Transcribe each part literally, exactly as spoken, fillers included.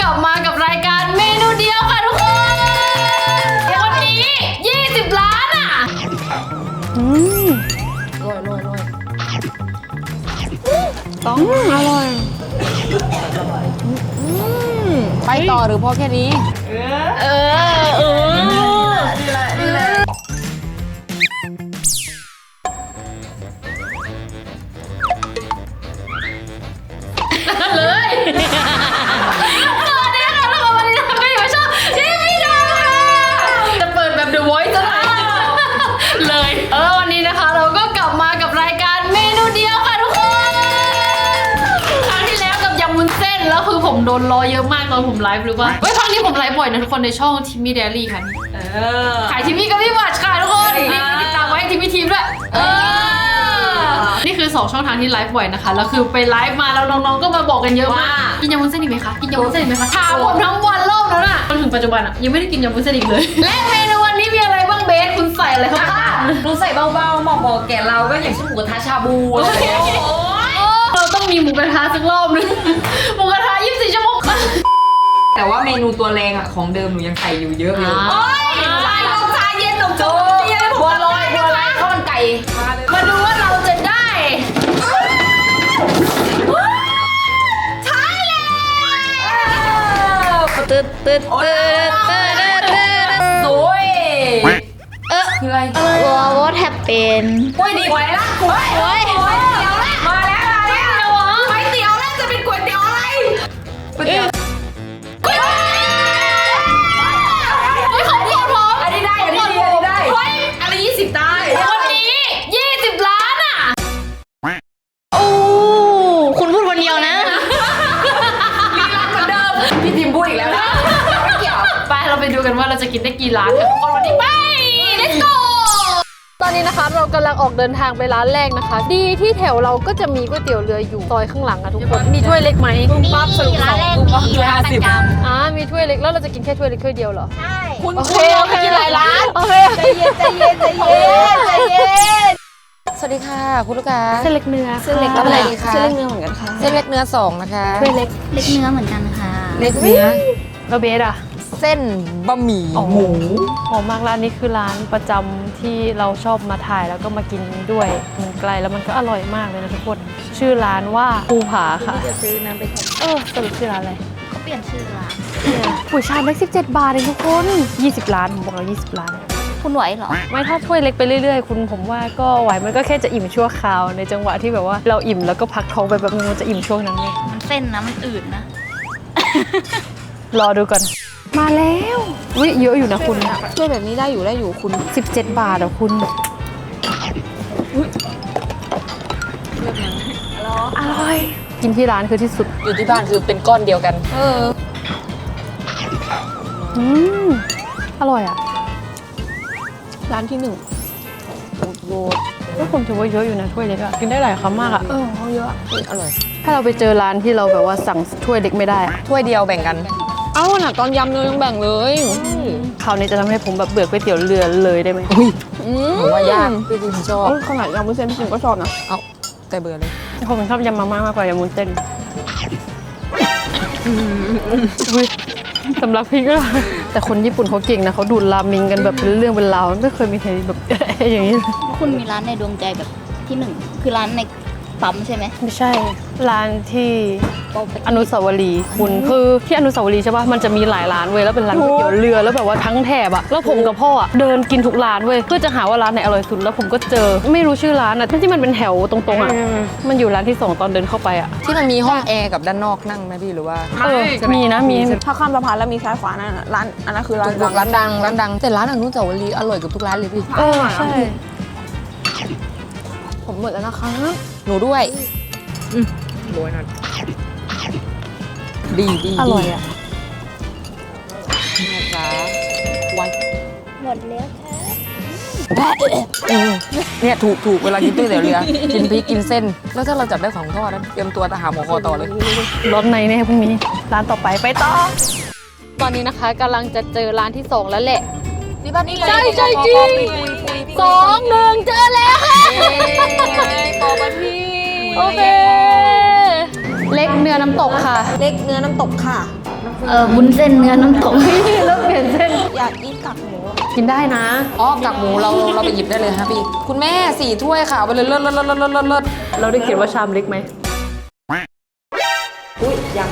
ลับมากับรายการเมนูเดียวค่ะทุกคนวันนี้ยี่สิบล้านอ่ะอืมอร่อยอร่อยอร่อยต้องอร่อยไปต่อหรือพอแค่นี้เออเออเออเลยสวัสดีค่ะทุกคนวันนี้เราก็อยู่ช่องทีวีดาวค่ะจะเปิดแบบ The Voice ซะหน่อยเลยเออวันนี้นะคะเราก็กลับมากับรายการเมนูเดียวค่ะทุกคนครั้งที่แล้วกับยำวุ้นเส้นแล้วคือผมโดนรอเยอะมากตอนผมไลฟ์หรือว่าเฮ้ยครั้งนี้ผมไลฟ์บ่อยนะทุกคนในช่องทีวีเดลี่ค่ะเออขายทีวีกับพี่บัตรค่ะทุกคนนี่ติดตามไว้ทีวีทีมด้วยเออนี่คือสองช่องทางที่ไลฟ์บ่อยนะคะแล้วคือไปไลฟ์มาแล้วน้องๆก็มาบอกกันเยอะมากกินยำวุ้นเส้นอีกไหมคะกินยำวุ้นเส้นอีกไหมคะถามผมทั้งวันรอบแล้วน่ะจนถึงปัจจุบันอ่ะยังไม่ได้กินยำวุ้นเส้นอีกเลยและเมนูวันนี้มีอะไรบ้างเบสคุณใส่อะไรเข้าไปรู้ใส่เบาๆเหมาะบอกแก่เราก็อย่างเช่นหมูกระทะชาบูอะไรอย่างเงี้ยเราต้องมีหมูกระทะสักรอบนึงหมูกระทะยี่สิบสี่ชั่วโมงแต่ว่าเมนูตัวแรงอ่ะของเดิมหนูยังใส่อยู่เยอะอยู่โอ้ยชาลงชาเย็นหนมโจ๊กบัวลอยบัวลอยข้าวมันไก่มาดูว่าเราจะได้ใช่แล้วตึ๊ดตึ๊ดตึ๊ดตึ๊ดตึ๊ดสวยเออคืออะไรวอทแฮปเป็นกล้วยดีกว่าละกล้วยกล้วยก๋วยเตี๋ยวละมาแล้วมาแล้วก๋วยเตี๋ยวละจะเป็นก๋วยเตี๋ยวอะไรก๋วยเตี๋ยวของพี่พร้อมอันนี้ได้อันนี้ดีอันนี้ได้เฮ้ยอันนี้ยี่สิบได้วันนี้ยี่สิบล้านอ่ะโอ้คุณพูดคนเดียวนะมีร้านเหมือนเดิมพี่ทีมพูดอีกแล้วนะไม่เกี่ยวไปเราไปดูกันว่าเราจะกินได้กี่ร้านกันคนวันนี้ไป let's go ตอนนี้นะคะเรากำลังออกเดินทางไปร้านแรกนะคะดีที่แถวเราก็จะมีก๋วยเตี๋ยวเรืออยู่ซอยข้างหลังอะทุกคนมีถ้วยเล็กไหมมีร้านแรกมีร้านประจำอ่ามีถ้วยเล็กแล้วเราจะกินแค่ถ้วยเล็กถ้วยเดียวเหรอใช่คุณโอเคเราโอเคกินหลายร้านโอเคใจเย็นใจเย็นใจเย็นใจเย็นสวัสดีค่ะคุณลูกค้าเส้นเล็กเนื้อเส้นเล็กอะไรดีคะเส้นเล็กเนื้อเหมือนกันค่ะเส้นเล็กเนื้อสองนะคะถ้วยเล็กเล็กเนื้อเหมือนกันค่ะเล็กเนื้อเราเบสอะเส้นบะหมี่หมูหอมมากร้านนี้คือร้านประจำที่เราชอบมาถ่ายแล้วก็มากินด้วยมันไกลแล้วมันก็อร่อยมากเลยนะทุกคนชื่อร้านว่าภูผาค่ะจะซื้อน้ำไปแข่งเออสรุปชื่อร้านอะไรเขาเปลี่ยนชื่อร้านปุ๋ยชามเล็กสิบเจ็ดบาทเองทุกคนยี่สิบล้านผมบอกเรายี่สิบล้านคุณไหวเหรอไม่ถ้าถ้วยเล็กไปเรื่อยๆคุณผมว่าก็ไหวมันก็แค่จะอิ่มชั่วคราวในจังหวะที่แบบว่าเราอิ่มแล้วก็พักท้องไปแบบนึงมันจะอิ่มช่วงนั้นไงมันเส้นนะมันอืดนะรอดูก่อนมาแล้ววิเยอะอยู่นะคุณช่วยแบบนี้ได้อยู่ได้อยู่คุณสิบเจ็ดบาทอ่ะคุณอร่อยกินที่ร้านคือที่สุดอยู่ที่บ้านคือเป็นก้อนเดียวกันเอออืมอร่อยอ่ะร้านที่หนึ่งโบดก็ผมถือว่าเยอะอยู่นะถ้วยเล็กอ่ะกินได้หลายคำมากอ่ะเออเขาเยอะอร่อยถ้าเราไปเจอร้านที่เราแบบว่าสั่งถ้วยเล็กไม่ได้ถ้วยเดียวแบ่งกันเอ้าน่ะตอนยำเนยยังแบ่งเลยคราวนี้จะทำให้ผมแบบเบื่อก๋วยเตี๋ยวเรือเลยได้ไหมผมว่ายากพี่ดิมชอบขนาดยำมุ้นเส้นพี่ดิมก็ชอบนะเอาแต่เบื่อเลยผมชอบยำมาม่ามากกว่ายำมุ้นเส้นสำหรับพี่ก็แต่คนญี่ปุ่นเขาเก่งนะเขาดูดราเมงกันแบบเป็นเรื่องเป็นราวไม่เคยมีใครแบบอย่างนี้คุณมีร้านในดวงใจแบบที่หนึ่งคือร้านในปั๊มใช่ไหมไม่ใช่ร้านที่อนุสาวรีย์คุณคือที่อนุสาวรีย์ใช่ป่ะมันจะมีหลายร้านเว้ยแล้วเป็นร้านก๋วยเตี๋ยวเรือแล้วแบบว่าทั้งแถบอะแล้วผมกับพ่ออะเดินกินทุกร้านเว้ยเพื่อจะหาว่าร้านไหนอร่อยสุดแล้วผมก็เจอไม่รู้ชื่อร้านอะที่มันเป็นแถวตรงๆอะมันอยู่ร้านที่สองตอนเดินเข้าไปอะที่มันมีห้องแอร์กับด้านนอกนั่งไหมพี่หรือว่าเออมีนะมีถ้าข้ามสะพานแล้วมีซ้ายขวานั่นร้านอันนั้นคือร้านร้านดังร้านดังแต่ร้านอนุสาวรีย์อร่อยกับทุกร้านเลยพี่เออใช่ผมหมดแล้วนะคะหนูด้วยโรยหน่อยดีดีอร่อยอ่ะนะจ๊ะไว้หมดแล้วค่ะเนี่ยถูกถูกเวลากินก๋วยเตี๋ยวเรือกินพริกกินเส้นแล้วถ้าเราจับได้ของทอดนั้นเตรียมตัวจะหาหมอคอต่อเลยร้อนในแน่พรุ่งนี้ร้านต่อไปไปต่อตอนนี้นะคะกำลังจะเจอร้านที่สองแล้วแหละที่บ้านนี่เลยใช่ใช่จริงสองหนึ่งเจอแล้วค่ะปอบันพี่โอเคเล็กเนื้อน้ำตกค่ะเล็กเนื้อน้ำตกค่ะเออวุ้นเส้นเนื้อน้ำตกเริ่มเปลี่ยนเส้นอยากกินกากหมูกินได้นะอ๋อกากหมูเราเราไปหยิบได้เลยฮะพี่คุณแม่สี่ถ้วยค่ะเอาไปเลยเลิศเลิศเลิศเลิศเลิศเลิศเราได้เขียนว่าชามเล็กไหมอุ้ยยัง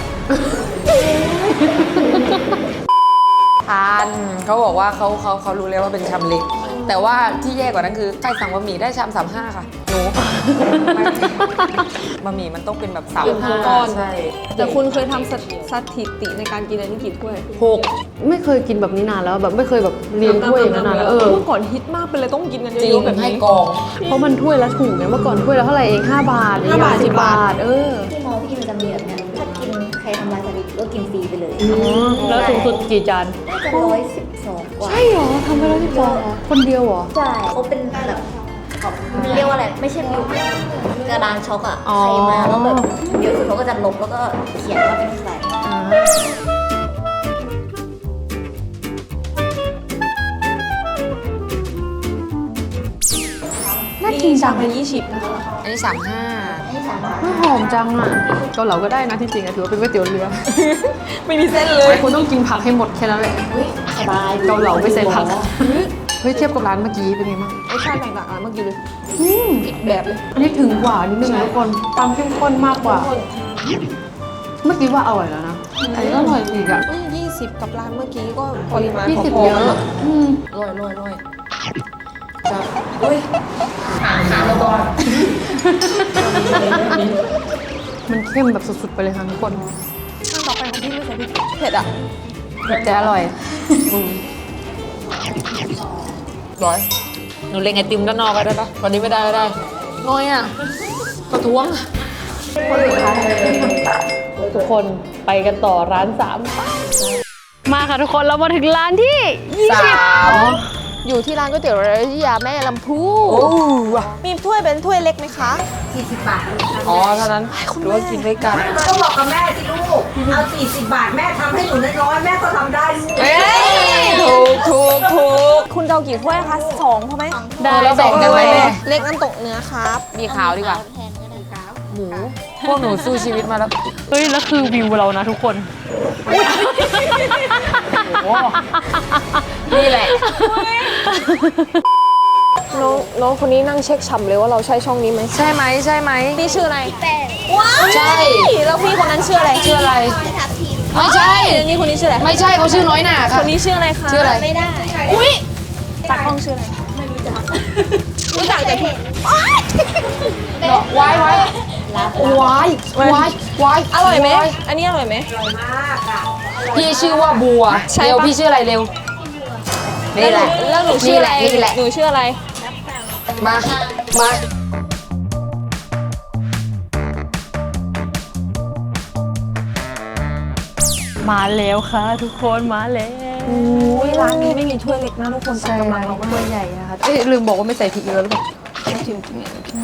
ทานเขาบอกว่าเขาเขาเขารู้แล้วว่าเป็นชามเล็ก แต่ว่าที่แย่กว่านั้นคือใครสั่งบะหมี่ได้ชามสามห้าค่ะหนูบะหมี่มันต้องเป็นแบบสามห้าใช่แต่คุณเคยทำสถิสถิติในการกินอันนี้กี่ถ้วยหกไม่เคยกินแบบนี้นานแล้วแบบไม่เคยแบบเรียนถ้วยอย่างนั้นนานแล้วเออเมื่อก่อนฮิตมากเป็นเลยต้องกินกันจริเยงอะๆแบบให้นี้กองเพราะมันถ้วยละถูกไงเมื่อก่อนถ้วยละเท่าไหร่เองห้าบาทห้าบาทสิบบาทเออที่มอพี่มันจะมีแบบนั้นถ้ากินใครทำลายสถิติก็กินฟรีไปเลยแล้วสูงสุดกี่จานน่าจะร้อยสิบสองกว่าใช่เหรอทำไปแล้วที่ฟองคนเดียวเหรอใช่เขาเป็นแบบเรียกว่าอะไรไม่ใช่บิวกระดานช็อกอะอ๋อใครมาแล้วแบบเยอะสุดเขาก็จะลบแล้วก็เขียนว่าเป็นใครน่ากินจังเป็นยี่สิบนะคะอันนี้สามห้าให้สามบาทหอมจังอ่ะเกาเหลาก็ได้นะที่จริงอะถือว่าเป็นก๋วยเตี๋ยวเรือไม่มีเส้นเลยคุณต้องกินผักให้หมดแค่นั้นแหละสบายเกาเหลาไม่ใส่ผักเฮ้ยเทียบกับร้านเมื่อกี้เป็นไงบ้างรสชาติแตกต่างกันเมื่อกี้เลยอืมอีกแบบเลยอันนี้ถึงกว่านิดนึงนะทุกคนความเข้มข้นมากกว่า เมื่อกี้ว่าอร่อยแล้วนะอันนี้ก็อร่อยอีกอ่ะยี่สิบกับร้านเมื่อกี้ก็ปริมาณยี่สิบพอเยๆกันอะอืมลอยลอยลอยมันเข้มแบบสุดๆไปเลยค่ะทุกคนขั้นต่อไปของพี่ไม่ใส่พริกเผ็ดอ่ะแต่อร่อยอืมร้อยหนูเล็งไอติมด้านนอกไปได้ปะวันนี้ไม่ได้ไม่ได้น้อยอ่ะประท้วงทุกคนไปกันต่อร้านสามมาค่ะทุกคนเรามาถึงร้านที่ยี่สาสิบมอยู่ที่ร้านก๋วยเตี๋ยวเรือที่ยาแม่ลำพูโอ้ว่ะมีถ้วยเป็นถ้วยเล็กไหมคะสี่สิบบาทอ๋อเท่านั้นหรือว่ากินด้วยกันก็บอกกับแม่สิลูก เอาสี่สิบบาทแม่ทำให้หนูน้อยๆแม่ก็ทำได้ลูกเอ้ยถูกถูกถูกคุณจะเอากี่ถ้วยคะสองพอไหมได้แล้วแบ่งกันไหมแม่เล็กน้ำตกเนื้อครับมีขาวดีกว่าแทนก็ได้ครับหมู พวกหนูสู้ชีวิตมาแล้วเฮ้ยแล้วคือวิวเรานะทุกคนนี่แหละน้องน้องคนนี้นั่งเช็คฉ่ำเลยว่าเราใช่ช่องนี้ไหมใช่ไหมใช่ไหมนี่ชื่ออะไรแป้งว้าวใช่แล้วพี่คนนั้นชื่ออะไรชื่ออะไรทับทิมไม่ใช่แล้วนี่คนนี้ชื่ออะไรไม่ใช่เขาชื่อน้อยหน่าคค่ะนนี้ชื่ออะไรคะชื่ออะไรไม่ได้อุ้ยตักห้องชื่ออะไรรู้จักแต่พี่วายวายรับวายวายวายอร่อยไหมอันนี้อร่อยไหมพี่ชื่อว่าบัวใช่ปะเร็วพี่ชื่ออะไรเร็ว นี่แหละแล้วหนูชื่ออะไรนี่แหละหนูชื่ออะไรมา มามาแล้วค่ะทุกคนมาแล้วอุ้ยร้านนี้ไม่มีถ้วยเล็กนะทุกคนตักกำลังเราตัวใหญ่นะคะเอ้ยลืมบอกว่าไม่ใส่พริกเยอะหรือเปล่าชิมจริง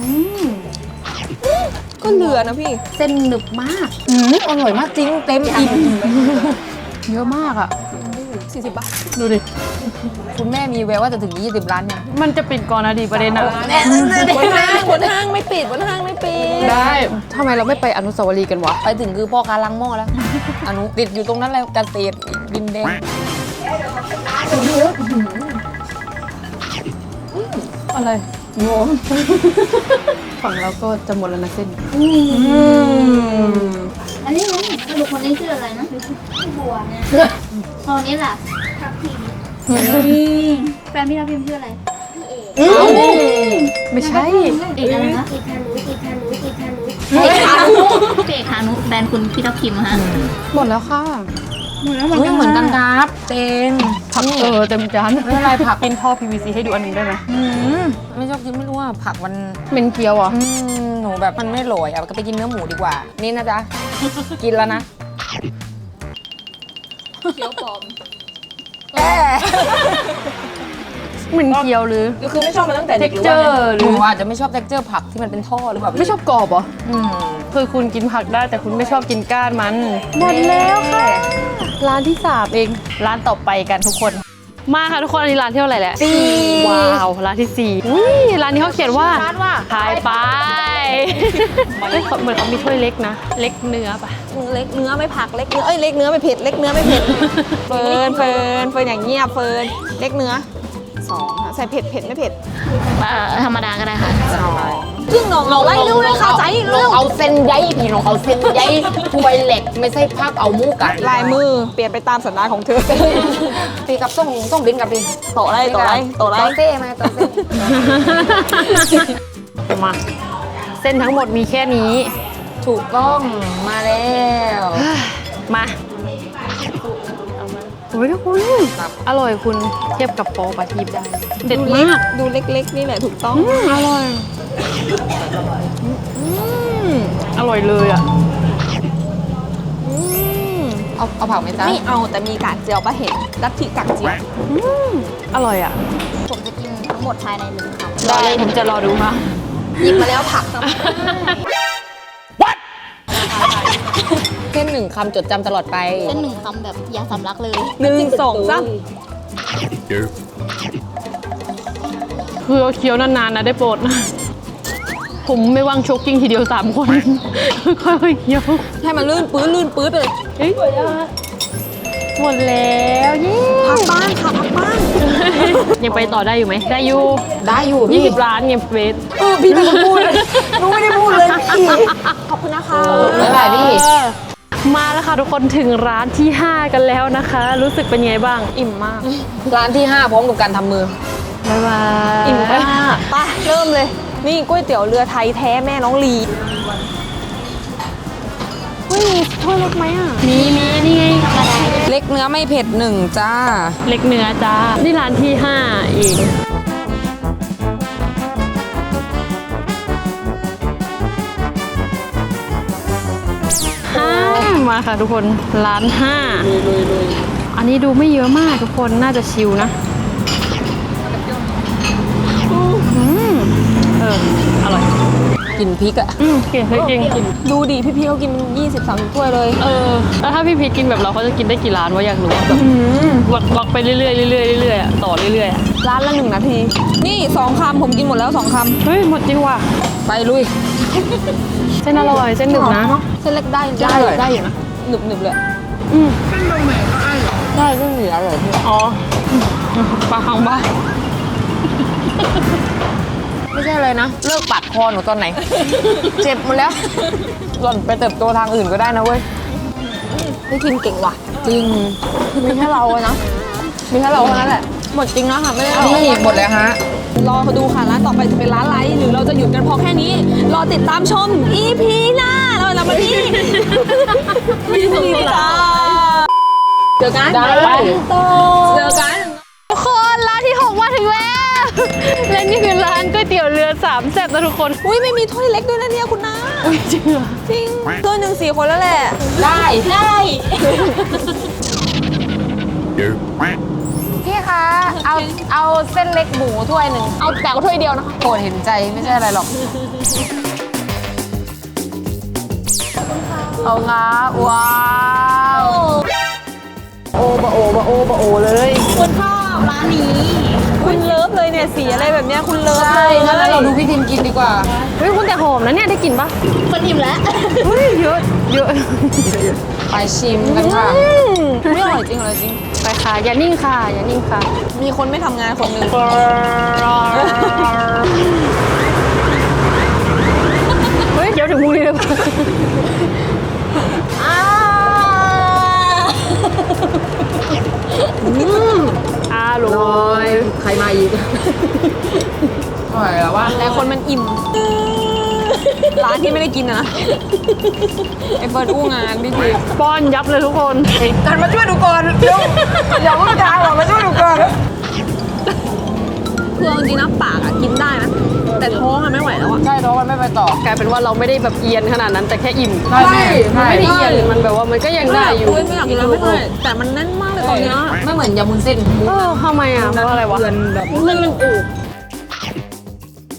ก็เหลือนะพี่เส้นหนึบมากอืมอร่อยมากจริง เต็มอิ่มเยอะมากอ่ะสี่สิบบาทดูดิคุณแม่มีแววว่าจะถึงยี่สิบล้านยังมันจะปิดก่อนนะดีประเด็นอะบนห้างบนห้างไม่ปิดบนห้างไม่ปิดได้ทำไมเราไม่ไปอนุสาวรีย์กันวะไปถึงคือพ่อค้าล้างหม้อแล้ว อนุติดอยู่ตรงนั้นเลยเกษตรดินแดงอะไรงงฝั่งเราก็จะหมดแล้วนะเส้นอันนี้รู้สรุปคนนี้ชื่ออะไรนะชื่อบัวเนี่ยคนนี้ล่ะทับทิมแฟนพี่ทับทิมชื่ออะไรพี่เอกไม่ใช่เอกอะไรคะเอกฮานุเอกฮานุเอกฮานุเอกฮานุเอกฮานุแฟนคุณพี่ทับทิมฮะหมดแล้วค่ะหมดแล้วเฮ้ยเหมือนกันครับเตงผักเออเต็มจานไม่เป็นไรผักกินท่อ พี วี ซี ให้ดูอันหนึงได้ไหมอืมไม่ชอบกินไม่รู้ว่าผักมันเป็นเกี๊ยวอ่ะอืมหนูแบบมันไม่อร่อยอ่ะก็ไปกินเนื้อหมูดีกว่า นี่นะจ๊ะ กินแล้วนะเขียวปลอมแอะเหมือนเกี๊ยวหรือก็คือไม่ชอบมาตั้งแต่เท็เด็กกหรือเจอว่าร์หหรืนูออาจจะไม่ชอบ texture ผักที่มันเป็นท่อหรือเปล่าไม่ชอบกรอบเหรออืมคือคุณกินผักได้แต่คุณไม่ชอบกินก้านมัน หมดแล้วค่ะ ร้านที่สามเอง ร้านต่อไปกันทุกคนมาค่ะทุกคนอันนี้ร้านที่เท่าไหร่แหละสี่ว้าวร้านที่สี่อุ้ยร้านนี้เขาเขียนว่าร้านว่าขายไปเฮ้ยเขาเหมือนเขามีถ้วยเล็กนะ เล็กเนื้อปะเล็กเนื้อไม่ผักเล็กเนื้อเอ้ยเล็กเนื้อไม่เผ็ดเล็กเนื้อไม่เผ็ดเฟิร์นเฟิร์นเฟิร์นอย่างเงียบเฟิร์นเล็กเนื้อสองค่ะใส่เผ็ดเผ็ดไม่เผ็ดธรรมดาก็ได้ค่ะครึ่งหนองเราไล่เร็วเลยค่ะใจลเร็องวเอาเส้นใยพี่น้องเอาเส้นใยถ้วยเหล็กไม่ใช่ภาพเอามูกัดลายมือเปลี่ยนไปตามสัญญาณของเธอปีกับส่งส่งบินกับพี่โตะไรโตะไรโตะไรต่อเซ่ไหมต่อเซ่มาเส้นทั้งหมดมีแค่นี้ถูกต้องมาแล้วมาโอ้ยทุกคนอร่อยคุณเทียบกับโปปลาทีบได้เด็ดดูเล็กมากดูเล็กๆนี่แหละถูกต้องอืมอร่อยอืมอร่อยเลยอ่ะอืมเอาเอาผักไหมจ๊ะไม่เอาแต่มีกากเจียวปะเห็นลัทธิกากเจียวอืมอร่อยอ่ะผมจะกินทั้งหมดภายในหนึ่งคำได้เลยผมจะรอดูค่ะหยิบมาแล้วผักเส้นหนึ่งคำจดจำตลอดไปเป็นหนึ่งคำแบบอยาสำลักเลยหนึ่งสองสามคือเอาเคี้ยวนานๆนะได้โปรดนะผมไม่ว่างโชกกิ้งทีเดียวสามคน ค่อยๆเคี้ยวให้มันลื่นปื้ดลื่นปื้ดไปเลยเฮ้ยหมดแล้วเย้พักบ้านค่ะพักบ้านยังไปต่อได้อยู่ไหมได้อยู่ได้อยู่ยี่พี่สิบล้านเนี่ยเฟสเออพี่เป็นคนพูดเลยหนูไม่ได้พูดเลยพี่ขอบคุณนะคะบ๊ายบายพี่มาแล้วค่ะทุกคนถึงร้านที่ ห้า กันแล้วนะคะ รู้สึกเป็นไงบ้างอิ่มมากร้านที่ห้าพร้อมกับการทำมือบ๊ายบายอิ่มมากไปเริ่มเลย นี่ก๋วยเตี๋ยวเรือไทยแท้แม่น้องลีเฮ้ยมีถ้วยเล็กไหมอ่ะมีมีนี่ไงเล็กเนื้อไม่เผ็ดหนึ่งจ้าเล็กเนื้อจ้านี่ร้านที่ห้าเองห้ามาค่ะทุกคนร้านห้าอันนี้ดูไม่เยอะมากทุกคนน่าจะชิลนะอืมเอออร่อยกินพริกอะอืมเก่งเฮ้ยเก่งดูดิพี่ๆเขากินยี่สิบสามสิบถ้วยเลยเออแล้วถ้าพี่พีชกินแบบเราเขาจะกินได้กี่ร้านวะอยากรู้อะแบบวักวักไปเรื่อยๆเรื่อยๆเรื่อยๆอะต่อเรื่อยๆอะร้านละหนึ่งนาที นี่สองคำผมกินหมดแล้วสองคเฮ้ยหมดจริงว่ะไปลุยเส้นอร่อยเส้นหนึบนะำเส้นเล็กได้ได้เลยได้อยู่นะหนึบหนึบๆเลยอืมได้เรื่องเหลือเลยพี่อ๋อปลาคังบ้าไม่ใช่อะไรนะ เลิกปัดคอหนูตอนไหน เจ็บหมดแล้วหล่อนไปเติบโตทางอื่นก็ได้นะเว้ยพี่กินเก่งว่ะจริงมีแค่เราอะนะมีแค่เราเท่านั้นแหละหมดจริงนะค่ะไม่ได้เรานี่หมดแล้วฮะรอเขาดูค่ะร้านต่อไปจะเป็นร้านอะไรหรือเราจะหยุดกันพอแค่นี้ รอติดตามชม อี พี หน้าเราเรามาที่ อี พี จ้าเจอกันได้เจอกันทุกคนร้านที่หกมาถึงแล้ว และนี่คือร้านก๋วยเตี๋ยวเรือสามแซ่บนะทุกคนอุ้ยไม่มีถ้วยเล็กด้วยนะเนี่ยคุณน้าอุ้ยจริงเหรอจริงถ้วยหนึ่งสี่คนแล้วแหละได้ได้พี่คะ เอาเอาเส้นเล็กหมูถ้วยหนึ่งเอาแต่ก็ถ้วยเดียวนะคะโปรดเห็นใจไม่ใช่อะไรหรอก เอาค่ะว้าวโอบะโอบะโอบะโอเลยคุณชอบร้านนี้คุณเลิฟเลยเนี่ยสีอะไรแบบเนี้ยคุณเลิฟใช่เลยงั้นเราดูพี่ทิมกินดีกว่าเฮ้ยคุณแต่หอมนะเนี่ยได้กลิ่นปะคนอิ่มแล้วเฮ้ยเยอะเยอะไปชิมกันค่ะอืมไม่อร่อยจริงอร่อยจริงไปค่ะอย่านิ่งค่ะอย่านิ่งค่ะมีคนไม่ทำงานคนหนึ่งเฮ้ยเดี๋ยวถึงมุ้ยเลยปะอ้าอร่อยใครมาอีกอร่อยแล้วว่าแต่คนมันอิ่ม ร้านที่ไม่ได้กินอะนะไอเฟิร์นอู้งานพี่พีป้อนยับเลยทุกคนกันมาช่วยดูก่อนเร็วอย่าเพิ่งด่าหรอกมาช่วยดูก่อนคือเอาจริงนะปากอะกินได้นะ แต่ท้องอะไม่ไหวแล้วอะใช่ท้องมันไม่ไปต่อกลายเป็นว่าเราไม่ได้แบบเอียนขนาดนั้นแต่แค่อิ่มใช่ใช่มันไม่ได้เอียนมันแบบว่ามันก็ยังได้อยู่ไม่ไม่อยากกินแล้วไม่ได้แต่มันแน่นมากเลยตอนเนี้ยไม่เหมือนยำมุนเส้นหมูเออทำไมอ่ะเพราะอะไรวะเพื่อนแบบมันมันอืด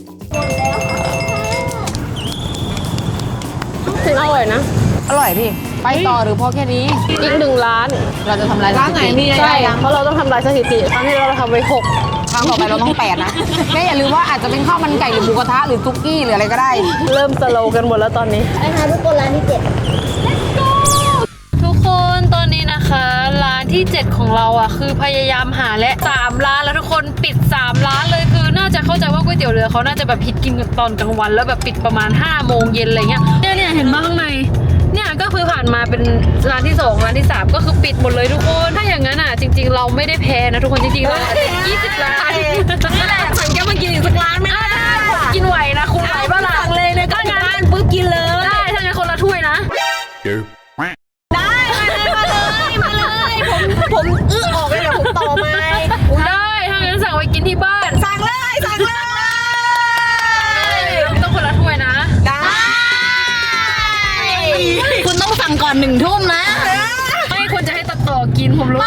ถึงอร่อยนะอร่อยพี่อไปต่อหรือพอแค่นี้อีกหนึ่งร้านเราจะทำลายร้านไหนมีใช่ใช่เพราะเราต้องทำลายสถิติครั้งที่เราทำไปหกครั้งต่อไปเราต้องแปดนะแม่อย่าลืมว่าอาจจะเป็นข้าวมันไก่หรือหมูกระทะหรือซุกี้หรืออะไรก็ได้เริ่มสโลว์กันหมดแล้วตอนนี้ไปหาทุกคนร้านที่เจ็ดทุกคนตอนนี้นะคะร้านที่เจ็ดของเราอ่ะคือพยายามหาและสามร้านแล้วทุกคนปิดสามร้านเลยคือน่าจะเข้าใจว่าก๋วยเตี๋ยวเรือเขาน่าจะแบบฮิตกินกันตอนกลางวันแล้วแบบปิดประมาณห้าโมงเย็นอะไรเงี้ยเนี่ยเนี่ยเห็นมาข้างในเนี่ยก็คือผ่านมาเป็นร้านที่สองร้านที่สามก็คือปิดหมดเลยทุกคนถ้าอย่างนั้นอ่ะจริง ๆ เราไม่ได้แพ้นะทุกคนจริงๆเรายี่สิบร้านนี่แหละฉันแกมากินอีกสักร้านไหมล่ะกินไหวนะคุณไหวบ้างล่ะเลยเลยก็งานปุ๊บกินเลยได้ถ้างั้นคนละถ้วยนะผมอื้อออกเลยเดี๋ยวผมต่อมาได้ถ้างั้นสั่งไปกินที่บ้านสั่งเลยสั่งเลยต้องคนละถ้วยนะได้ คุณต้องสั่งก่อนหนึ่งทุ่มนะไม่ควรจะให้ตัดต่อกินผมรู้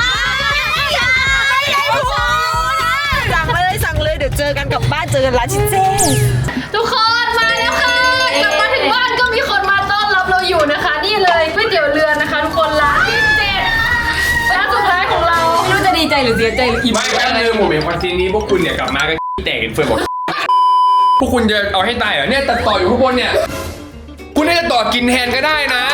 สั่งเลยสั่งเลยเดี๋ยวเจอกันกลับบ้านเจอกันร้านชิเจ้ทุกคนมาแล้วค่ะกลับมาถึงบ้านก็มีคนมาต้อนรับเราอยู่นะคะ นี่เลยก๋วยเตี๋ยวเรือนะคะทุกคนร้านที่เจ็ดร้านสุดท้ายของเราไม่รู้จะดีใจหรือเสียใจหรืออิ่มไม่แป๊บนึงผมเห็นคอนเทนต์นี้พวกคุณเนี่ยกลับมากันแตกกันเฟิร์นบอก พวกคุณจะเอาให้ตายเหรอเนี่ยตัดต่ออยู่ข้างบนเนี่ย คุณน่าจะต่อกินแทนก็ได้นะ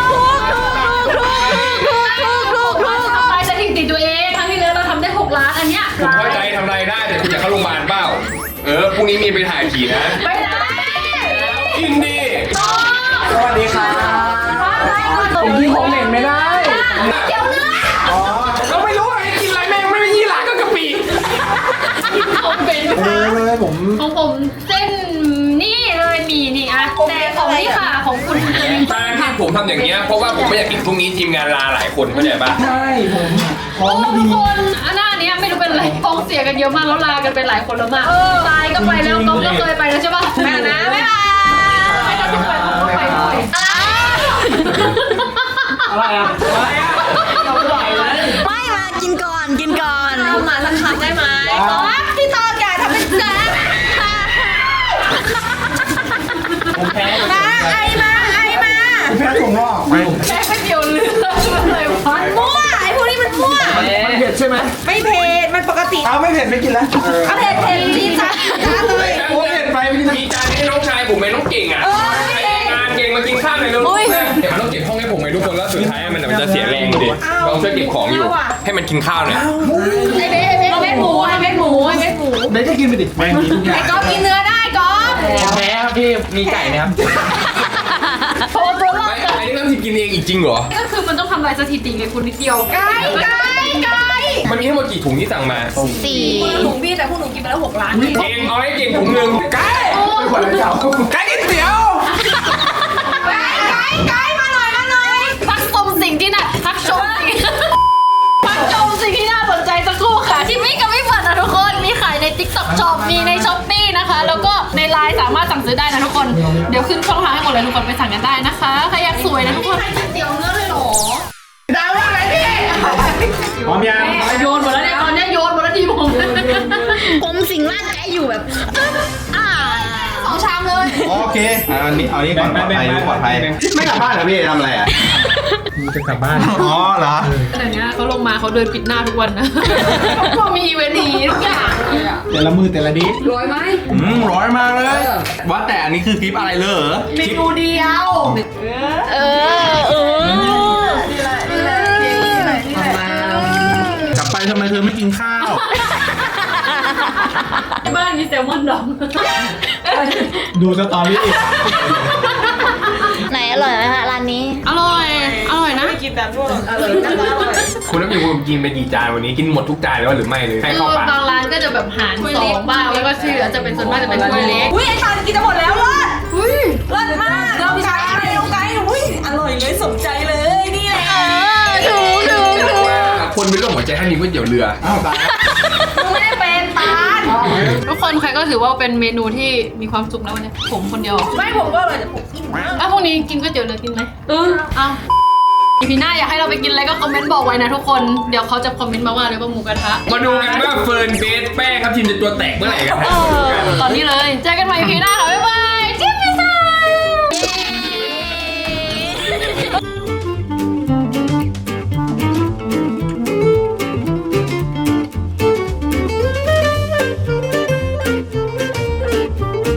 ทำลายสถิติตัวเองครั้งที่แล้วเราทำได้หกล้านอันเนี้ยผมเข้าใจทำอะไรได้แต่คุณอยากเข้าโรงพยาบาลเปล่า เออพรุ่งนี้มีไปถ่ายผีนะไปได้กินดีสวัสดีครับผมกินของเหม็นไม่ได้เดี๋ยวนะอ๋อเราไม่รู้ว่าให้กินอะไรแม่งไม่มียี่หร่าก็กะปิผมเป็นเออเลยผมของผมเส้นนี่เลยหมีนี่อะแต่ของนี่ค่ะของคุณจะมีการที่ผมทำอย่างเงี้ยเพราะว่าผมไม่อยากกินพรุ่งนี้ทีมงานลาหลายคนเข้าใจปะใช่ผมท้อโอ้งไม่ทุดีกคนอันหน้านี้ไม่รู้เป็นอะไรท้องเสียกันเยอะมากแล้วลากันไปหลายคนแล้วมากตายก็ไปแล้วก๊อฟก็เคยไปแล้วใช่ปะแม่นะไม่ไปไม่ต้องไปต้องไปด้วยอะไรอ่ะอะไรอ่ะไม่มากินก่อนกินก่อนมาสักคำได้ไหมก๊อฟพี่ตอแกทำเป็นแจ๊คผมแพ้มาไอมาไอมาผมแพ้ผมงอกแค่ก๋วยเตี๋ยวเรืออะไรวะมั่วไอพวกนี้มันมั่วมันเผ็ดใช่ไหมไม่เผ็ดมันปกติเอาไม่เผ็ดไม่กินแล้วเอาเผ็ดเผ็ดดีจ้าจ้าเลยโอ้เผ็ดไปไม่กินมีจานให้น้องชายผมไหมน้องเก่งอ่ะใครงานเก่งมากินข้าวหน่อยเร็วเดี๋ยวมันต้องเก็บห้องให้ผมไหมทุกคนแล้วสุดท้ายมันมันจะเสียแรงดิเราช่วยเก็บของอยู่ ให้มันกินข้าวหน่อยไอเบ๊ไอเบ๊เม็ดหมูไอเม็ดหมูไอเม็ดหมูเบสก็กินไปดิไม่มีทุกอย่างก๊อฟกินเนื้อได้ก๊อฟผมแพ้ครับพี่มีไก่ไหมครับโทรตัวรอไม่ดอันนี้ต้องกินเองอีกจริงเหรอก็คือมันต้องทำลายสถิติไงคุณนิดเดียวไก่ไก่ไก่มันมีทั้งหมดกี่ถุงที่สั่งมาสี่ถุงพี่แต่พวกหนูกินไปแล้วหกล้านเก่งเอาให้เก่งถุงหนึ่งไก่ไม่ควรจะเอาไก่กินเตี๋ยวไก่ไก่มาหน่อยมาหน่อยพักชมสิ่งที่น่าพักชมสิ่งพักชมสิ่งที่น่าสนใจสักครู่ค่ะที่ไม่กับไม่เปิดนะทุกคนมีขายใน TikTok Shop มีใน Shopee นะคะ แล้วก็ใน ไลน์ สามารถสั่งซื้อได้นะทุกคนเดี๋ยวขึ้นช่องทางให้หมดเลยทุกคนไปสั่งกันได้นะคะใครอยากสวยนะทุกคนเตี๋ยวเนื้อเลยหรอพร้อมยังโยนหมดแล้วเนี่ยตอนนี้โยนหมดแล้วทีผมผมสิงร่างกายอยู่แบบอ่าสองชามเลยโอเคเอาอันนี้เอาอันนี้ก่อนปลอดภัยรู้ปลอดภัยไม่กลับบ้านเหรอพี่ทำอะไรอ่ะจะกลับบ้านอ๋อเหรอเดี๋ยวนี้เขาลงมาเขาเดินปิดหน้าทุกวันนะพวกมีอีเวนต์นี้ทุกอย่างแต่ละมือแต่ละดิสร้อยไหมอืมร้อยมากเลยว่าแต่อันนี้คือคลิปอะไรเลยเหรอเมนูเดียวเออเออกลับไปทำไมเธอไม่กินข้าวที่บ้านมีแซลมอนดองดูสตอรี่ไหนอร่อยไหมคะร้านนี้อร่อยอร่อยนะคุณน้ำมีคุณกินไปกี่จานวันนี้กินหมดทุกจานแล้วหรือไม่เลยให้คืเข้าอปากบางร้านก็จะแบบหารสองบ้างแล้วก็ชื่อจะเป็นส่วนมากจะเป็นถ้วยเล็กอุ้ยไอ้ตอนกินจะหมดแล้วเลิศอุ้ยเลิศมากน้องไก่น้องไก่อุ้ยอร่อยเลยสมใจเลยนี่แหละถูกถูกถูกคนเป็นโรคหัวใจท่านนี้ก๋วยเตี๋ยวเรืออ้าวตายไม่ได้เป็นตาลทุกคนใครก็ถือว่าเป็นเมนูที่มีความสุขแล้ววันนี้ผมคนเดียวไม่ผมก็อร่อยแต่ผมอิ่มมากแล้วพรุ่งนี้กินก๋วยเตี๋ยวเรือกินไหมเออเอาอีพีหน้าอยากให้เราไปกินอะไรก็คอมเมนต์บอกไว้นะทุกคนเดี๋ยวเขาจะคอมเมนต์มาว่าเลยว่าหมูกระทะมาดูกันว่าเฟิร์นเบสแป้งครับทีมจะตัวแตกเมื่อไหร่กันเออตอนนี้เลยเจอกันใหม่อีพีหน้าค่ะบ๊ายบาย